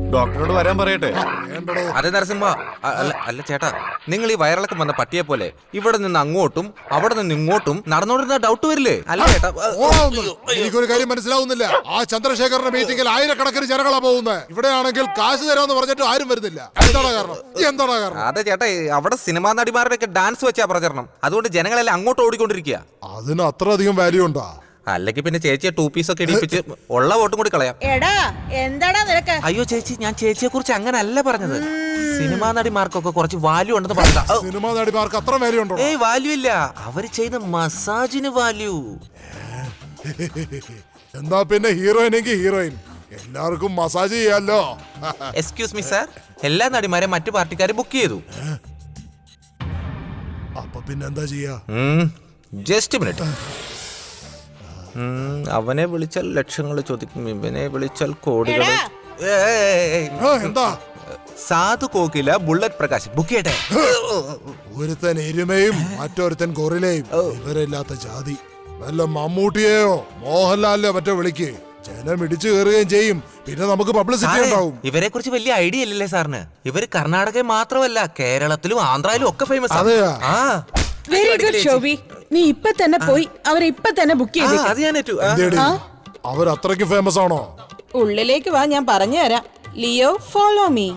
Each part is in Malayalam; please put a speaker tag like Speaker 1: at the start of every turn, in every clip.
Speaker 1: ഡോക്ടറോട് വരാൻ പറയട്ടെ.
Speaker 2: അതെ നരസിംഹ, അല്ല ചേട്ടാ, നിങ്ങൾ ഈ വയറിളക്കം വന്ന പട്ടിയെ പോലെ ഇവിടെ നിന്ന് അങ്ങോട്ടും അവിടെ നിന്ന് ഇങ്ങോട്ടും നടന്നോണ്ടിരുന്ന ഡൗട്ട് വരില്ലേ? അല്ല ചേട്ടാ,
Speaker 3: എനിക്കൊരു കാര്യം മനസ്സിലാവുന്നില്ല. ആ ചന്ദ്രശേഖരന്റെ മീറ്റിംഗിൽ ആയിരക്കണക്കിന് ജനങ്ങളാ പോകുന്നത്. ഇവിടെയാണെങ്കിൽ കാശ് തരാമെന്ന് പറഞ്ഞിട്ട് ആരും വരുന്നില്ല. എന്താണ് കാരണം?
Speaker 2: അതെ ചേട്ടാ, അവിടെ സിനിമാ നടിമാരുടെ ഒക്കെ ഡാൻസ് വെച്ചാ പ്രചരണം. അതുകൊണ്ട് ജനങ്ങളെല്ലാം അങ്ങോട്ട് ഓടിക്കൊണ്ടിരിക്കുക.
Speaker 3: അതിന് അത്ര അധികം വാല്യൂ ഉണ്ടോ?
Speaker 2: അല്ലെങ്കിൽ പിന്നെ ചേച്ചിയെ 2 പീസ് ഒക്കെ ഇടിപ്പിച്ച് ഉള്ള വോട്ടും കൂടി കളയാം.
Speaker 4: എടാ എന്താടാ നിനക്ക്?
Speaker 2: അയ്യോ ചേച്ചി, ഞാൻ ചേച്ചിയെ കുറിച്ച് അങ്ങനെ അല്ല പറഞ്ഞത്. സിനിമാ നടിമാർക്കൊക്കെ കുറച്ച് വാല്യൂ ഉണ്ടെന്ന് പറഞ്ഞാ.
Speaker 3: സിനിമാ നടിമാർക്ക് അത്ര വാല്യൂ ഉണ്ടോ?
Speaker 2: ഏയ് വാല്യൂ ഇല്ല, അവര് ചെയ്യുന്ന മസാജിന് വാല്യൂ.
Speaker 3: എന്താ പിന്നെ ഹീറോയിനെങ്കിൽ ഹീറോയിൻ, എല്ലാവർക്കും മസാജ് ചെയ്യാലോ.
Speaker 2: എക്സ്ക്യൂസ് മീ സാർ, എല്ലാ നടിമാരെ മറ്റു പാർട്ടിക്കാരെ ബുക്ക് ചെയ്തു.
Speaker 3: അപ്പൊ പിന്നെ എന്താ ചെയ്യാ?
Speaker 2: Just minute. അവനെ വിളിച്ചാൽ ലക്ഷങ്ങൾ ചോദിക്കും, ഇവനെ വിളിച്ചാൽ കോടികൾ.
Speaker 3: എന്താ?
Speaker 2: സാധു കോകില ബുള്ളറ്റ് പ്രകാശ് ബുക്ക് ചെയ്യട്ടെ.
Speaker 3: ഒരുത്തൻ എരുമയും മറ്റൊരുത്തൻ ഗൊറിലയും, ഇവരില്ലാത്ത ജാതി. വല്ല മമ്മൂട്ടിയെയോ മോഹൻലാലിനെയോ മറ്റോ വിളിക്ക്, ജനം ഇടിച്ചു കയറുകയും ചെയ്യും. പിന്നെ നമുക്ക് പബ്ലിസിറ്റി ഉണ്ടാവും.
Speaker 2: ഇവരെ കുറിച്ച് വലിയ ഐഡിയ ഇല്ലല്ലേ സാറിന്? ഇവര് കർണാടകയിൽ മാത്രമല്ല, കേരളത്തിലും ആന്ധ്രയിലും ഒക്കെ ഫേമസ്.
Speaker 3: അതെയാ?
Speaker 4: വെരി ഗുഡ് ഷോബി, നീ ഇപ്പൊ തന്നെ പോയി അവരെ ഇപ്പൊ തന്നെ ബുക്ക് ചെയ്തേക്ക്.
Speaker 3: അവർ അത്രയ്ക്ക് ഫേമസ് ആണോ?
Speaker 4: ഉള്ളിലേക്ക് വാ, ഞാൻ പറഞ്ഞു തരാം. Leo, follow me.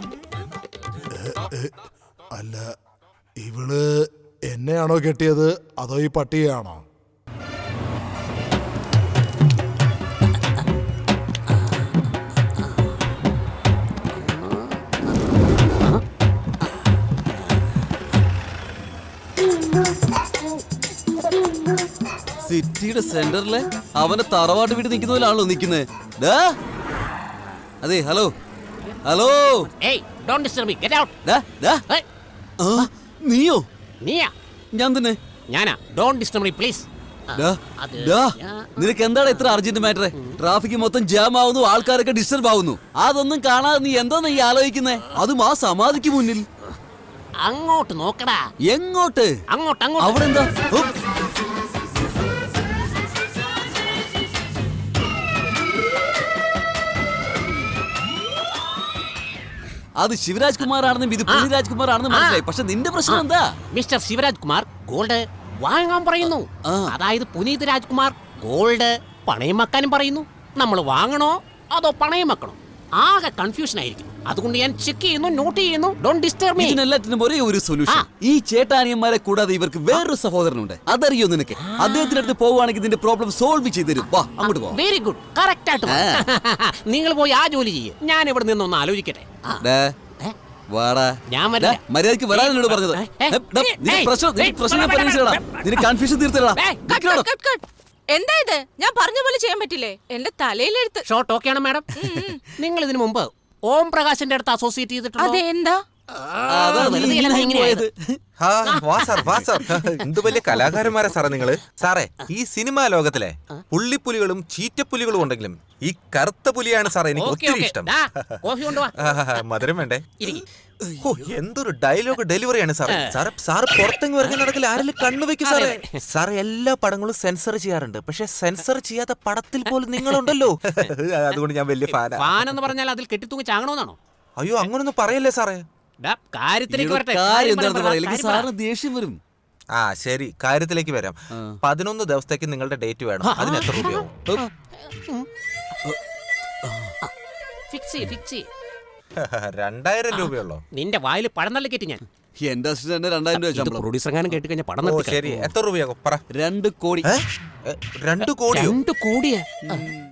Speaker 3: അല്ല, ഇവള് എന്നെയാണോ കെട്ടിയത് അതോ ഈ പട്ടിയാണോ?
Speaker 5: സിറ്റിയുടെ സെന്ററിലെ അവനെ തറവാട്ട് വീട്ടിൽ നിൽക്കുന്ന പോലാണല്ലോ നിൽക്കുന്നത്. അതെ, ഹലോ ഹലോ. നീയോ? ഞാൻ തന്നെ. നിനക്ക് എന്താണ് ഇത്ര അർജന്റ് മാറ്റർ? ട്രാഫിക് മൊത്തം ജാം ആവുന്നു, ആൾക്കാരൊക്കെ ഡിസ്റ്റർബ് ആവുന്നു. അതൊന്നും കാണാതെ നീ എന്താ നീ ആലോചിക്കുന്നേ? അതും ആ സമാധിക്ക് മുന്നിൽ.
Speaker 6: അങ്ങോട്ട് നോക്കടാ.
Speaker 5: എങ്ങോട്ട്?
Speaker 6: അങ്ങോട്ട്.
Speaker 5: അവിടെ എന്താ? അത് ശിവരാജ് കുമാർ ആണെന്നും ഇത് പൃഥ്വിരാജ് കുമാർ ആണെന്നും മനസ്സിലായി. പക്ഷെ നിന്റെ പ്രശ്നം എന്താ?
Speaker 6: മിസ്റ്റർ ശിവരാജ് കുമാർ ഗോൾഡ് വാങ്ങാൻ പറയുന്നു. അതായത് പുനീത് രാജ്കുമാർ ഗോൾഡ് പണയം വെക്കാനും പറയുന്നു. നമ്മൾ വാങ്ങണോ അതോ പണയം വെക്കണോ? ആകെ കൺഫ്യൂഷൻ ആയിരിക്കും. അതുകൊണ്ട് ഞാൻ ചെക്ക് ചെയ്യുന്നു, നോട്ട് ചെയ്യുന്നു. Don't disturb me.
Speaker 5: ഇതിനെല്ലാത്തിനും ഒരേ ഒരു സൊല്യൂഷൻ. ഈ ചേട്ടാനിയന്മാരെ കൂടാതെ ഇവർക്ക് വേറൊരു സഹോദരനുണ്ട്. അതറിയോ നിനക്ക്? അദ്ദേഹത്തിന്റെ അടുത്ത് പോവുകയാണെങ്കിൽ ഇതിന്റെ പ്രോബ്ലം സോൾവ് ചെയ്ത് തരും. വാ, അങ്ങോട്ട് പോ.
Speaker 6: വെരി ഗുഡ്, കറക്റ്റ് ആയിട്ട്. നിങ്ങൾ പോയി ആ ജോലി ചെയ്യ്. ഞാൻ ഇവിടെ നിന്നൊന്ന് ആലോചിക്കട്ടെ. ഞാൻ
Speaker 5: മര്യാദക്ക് വരാനോട് പറഞ്ഞത്. കൺഫ്യൂഷൻ തീർത്തടാ.
Speaker 4: എന്താ ഇത്? ഞാൻ പറഞ്ഞ പോലെ ചെയ്യാൻ പറ്റില്ലേ? എന്റെ തലയിലെടുത്ത്.
Speaker 6: ഷോർട്ട് ഓക്കെ ആണ് മാഡം. നിങ്ങൾ ഇതിനു മുമ്പ് ഓം പ്രകാശിന്റെ അടുത്ത് അസോസിയേറ്റ് ചെയ്തിട്ടുണ്ടോ?
Speaker 4: അതെ, എന്താ?
Speaker 2: എന്ത് വലിയ കലാകാരന്മാരാ സാറേ നിങ്ങള്. സാറേ, ഈ സിനിമാ ലോകത്തിലെ പുള്ളിപ്പുലികളും ചീറ്റപ്പുലികളും ഉണ്ടെങ്കിലും ഈ കറുത്ത പുലിയാണ് സാറേ എനിക്ക് ഒത്തിരി ഇഷ്ടം. മധുരം വേണ്ടേ? എന്തൊരു ഡയലോഗ് ഡെലിവറിയാണ് സാറേ. സാറ് പുറത്തെങ്ങ് വരുന്ന നടക്കില്ല, ആരെങ്കിലും കണ്ണുവെക്കും സാറേ. സാറ് എല്ലാ പടങ്ങളും സെൻസർ ചെയ്യാറുണ്ട്, പക്ഷെ സെൻസർ ചെയ്യാത്ത പടത്തിൽ പോലും നിങ്ങളുണ്ടല്ലോ. അതുകൊണ്ട് ഞാൻ വലിയ
Speaker 6: ഫാനെന്ന് പറഞ്ഞാൽ അതിൽ കെട്ടിത്തൂങ്ങി ചാങ്ങണമെന്നാണോ?
Speaker 2: അയ്യോ, അങ്ങനൊന്നും പറയല്ലേ സാറേ.
Speaker 5: ദേഷ്യം വരും.
Speaker 2: ആ ശരി, കാര്യത്തിലേക്ക് വരാം. 11 ദിവസത്തേക്ക് നിങ്ങളുടെ ഡേറ്റ് വേണം. അതിന് എത്ര രൂപയാവും? 2000 രൂപയുള്ളോ?
Speaker 6: നിന്റെ വായിൽ പഴം നല്ല കെട്ടി ഞാൻ.
Speaker 5: എന്റെ അസിസ്റ്റന്റ് 2000 രൂപ ശമ്പളം.
Speaker 6: പ്രൊഡ്യൂസർ എങ്ങാനും കേട്ട് കഴിഞ്ഞാൽ പടം നിർത്തി.
Speaker 2: ശരി, എത്ര രൂപയാകും പറ.
Speaker 5: 2 കോടി.
Speaker 2: 2 കോടി?
Speaker 6: 2 കോടിയാ?